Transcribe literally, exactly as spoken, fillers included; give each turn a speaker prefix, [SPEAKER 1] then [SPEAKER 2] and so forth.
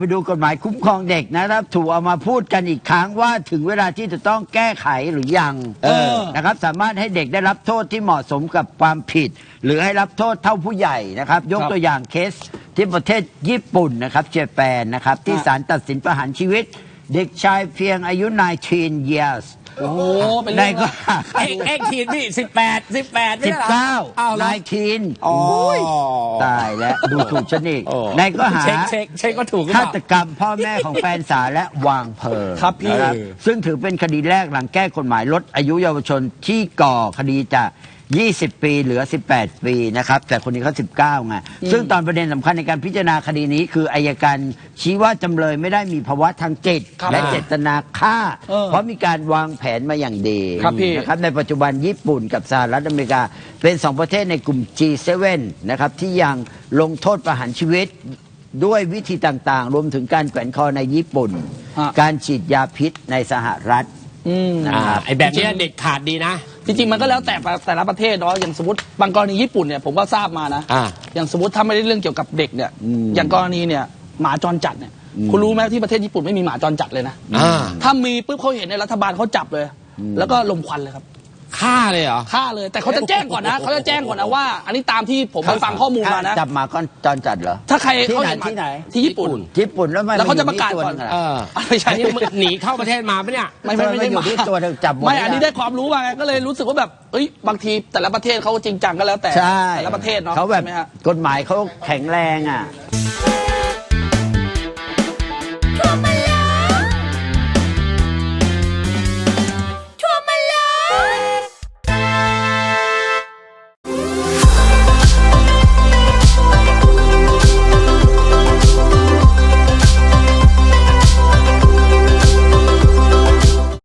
[SPEAKER 1] ไปดูกฎหมายคุ้มครองเด็กนะครับถูกเอามาพูดกันอีกครั้งว่าถึงเวลาที่จะต้องแก้ไขหรือยังเออนะครับสามารถให้เด็กได้รับโทษที่เหมาะสมกับความผิดหรือให้รับโทษเท่าผู้ใหญ่นะครับยกตัวอย่างเคสที่ประเทศญี่ปุ่นนะครับเจแปนนะครับที่ศาลตัดสินประหารชีวิตเด็กชายเพียงอายุสิบเก้า years
[SPEAKER 2] โอ้โหเป็น
[SPEAKER 1] ใน
[SPEAKER 2] เรื่อง
[SPEAKER 1] ก็
[SPEAKER 2] เอ็กเอ็กทีนพี่สิบแปดสิบแปด
[SPEAKER 1] สิบเก้า
[SPEAKER 2] อ้าว
[SPEAKER 1] นายทีน
[SPEAKER 2] อ๋อ
[SPEAKER 1] ตายแล้วดูถูกฉันอีกในก็หา
[SPEAKER 2] เช็คเช็คเช็คก็ถูก
[SPEAKER 1] ฆาตกรรมพ่อแม่ของแฟนสาวและวางเพลิง
[SPEAKER 2] ครับพี่
[SPEAKER 1] นะซึ่งถือเป็นคดีแรกหลังแก้กฎหมายลดอายุเยาวชนที่ก่อคดีจากยี่สิบปีเหลือสิบแปดปีนะครับแต่คนนี้เขาสิบเก้าไงซึ่งตอนประเด็นสำคัญในการพิจารณาคดีนี้คืออัยการชี้ว่าจำเลยไม่ได้มีภาวะทางจิตและเจตนาฆ่า เพราะมีการวางแผนมาอย่างดี
[SPEAKER 2] ครับพี่
[SPEAKER 1] นะครับในปัจจุบันญี่ปุ่นกับสหรัฐอเมริกาเป็นสองประเทศในกลุ่ม จี เซเว่น นะครับที่ยังลงโทษประหารชีวิตด้วยวิธีต่างๆ รวมถึงการแขวนคอในญี่ปุ่น การฉีดยาพิษในสหรัฐ
[SPEAKER 2] อืม
[SPEAKER 1] นะครับ
[SPEAKER 3] ไอ้แบบนี้เด็ดขาดดีนะ
[SPEAKER 2] จริงๆมันก็แล้วแต่แต่ละประเทศเนาะอย่างสมมติบางกรณีญี่ปุ่นเนี่ยผมก็ทราบมานะ
[SPEAKER 3] อ่า
[SPEAKER 2] อย่างสมมติถ้าไม่ได้เรื่องเกี่ยวกับเด็กเนี่ย
[SPEAKER 1] อืม
[SPEAKER 2] อย่างกรณีเนี่ยหมาจรจัดเนี่ย
[SPEAKER 1] อืม
[SPEAKER 2] คุณรู้ไหมที่ประเทศญี่ปุ่นไม่มีหมาจรจัดเลยนะ
[SPEAKER 3] อ่า
[SPEAKER 2] ถ้ามีปุ๊บเขาเห็นในยรัฐบาลเขาจับเลย แล้วก็ลมควันเลยครับ
[SPEAKER 3] ฆ่าเลยเหรอ
[SPEAKER 2] ฆ่าเลยแต่เขาจะแจ้งก่อนนะเขาจะแจ้งก่อนนะว่า อันนี้ตามที่ผมไปฟังข้อมูลมานะ
[SPEAKER 1] จับหมาก้อนจรจัดเหรอ
[SPEAKER 2] ถ้าใคร
[SPEAKER 1] ที่
[SPEAKER 2] เขา
[SPEAKER 1] ไหน
[SPEAKER 2] เห็นหมา
[SPEAKER 1] ที่ไหน
[SPEAKER 2] ที่ญี่ปุ่น
[SPEAKER 1] ญี่ปุ่นแล้วไม่
[SPEAKER 2] แล้วเขาจะประกาศก่อน
[SPEAKER 1] มยู่ที่ตัวหง
[SPEAKER 3] เออ
[SPEAKER 2] ไม่ใช่
[SPEAKER 3] อันนี้มึงหนีเข้าประเทศมาปะเนี่ย
[SPEAKER 2] ไม่ไม่ไม่ได้
[SPEAKER 1] อ
[SPEAKER 2] ห
[SPEAKER 1] ยู่
[SPEAKER 2] มา
[SPEAKER 1] ที่ตัวเธอจับหมด
[SPEAKER 2] ไม่
[SPEAKER 1] แล้ว
[SPEAKER 2] อันนี้ได้ความรู้มาไงก็เลยรู้สึกว่าแบบเอ้ยบางทีแต่ละประเทศเขาจริงจังก็แล้วแต่
[SPEAKER 1] ใช่
[SPEAKER 2] แต่ละประเทศเนาะ
[SPEAKER 1] เขาแบบ
[SPEAKER 2] ใช่ไหมฮะ
[SPEAKER 1] กฎหมายเขาแข็งแรงอ่ะ